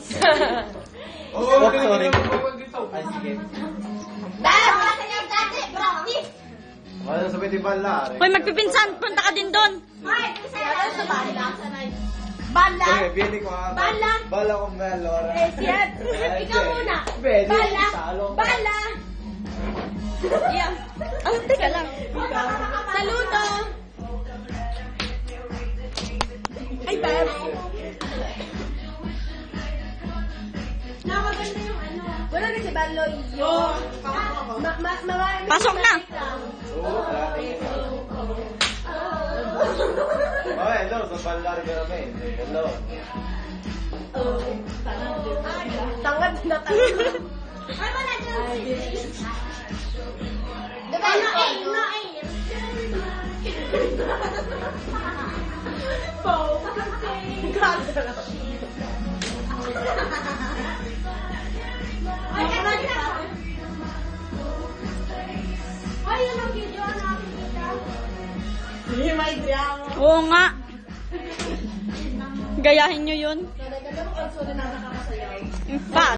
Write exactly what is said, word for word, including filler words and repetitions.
Oh, sorry. Ay, sige. Dahil mga sanyang dati, practice. Wala sa pwede bala. Hoy, magpipinsan. Punta ka din doon. Ay, isa sa bala. Bala. Okay, bili ko nga. Bala. Bala ko nga, Laura. Eh, siya. Ikaw muna. Pwede. Bala. Salo. Bala. Yeah. Oh, teka lang. Saludo. Ay, bala. Nakaganda yung ano. Wala na si Baloy. Yung... Ma- ma- mga... Pasok na. Oo, dati. Oh, hello. Sa bala rin kami. Hello. Tangad na tangad. Ay, wala dyan. Diba, no aim, no aim. Bow. Ganda. Ay, kanan na. Ay, yun ang video na nakikita. Hindi, may drama. Oo nga. Gayahin nyo yun. Nagaganda mo, also na nakakasayaw. In fact.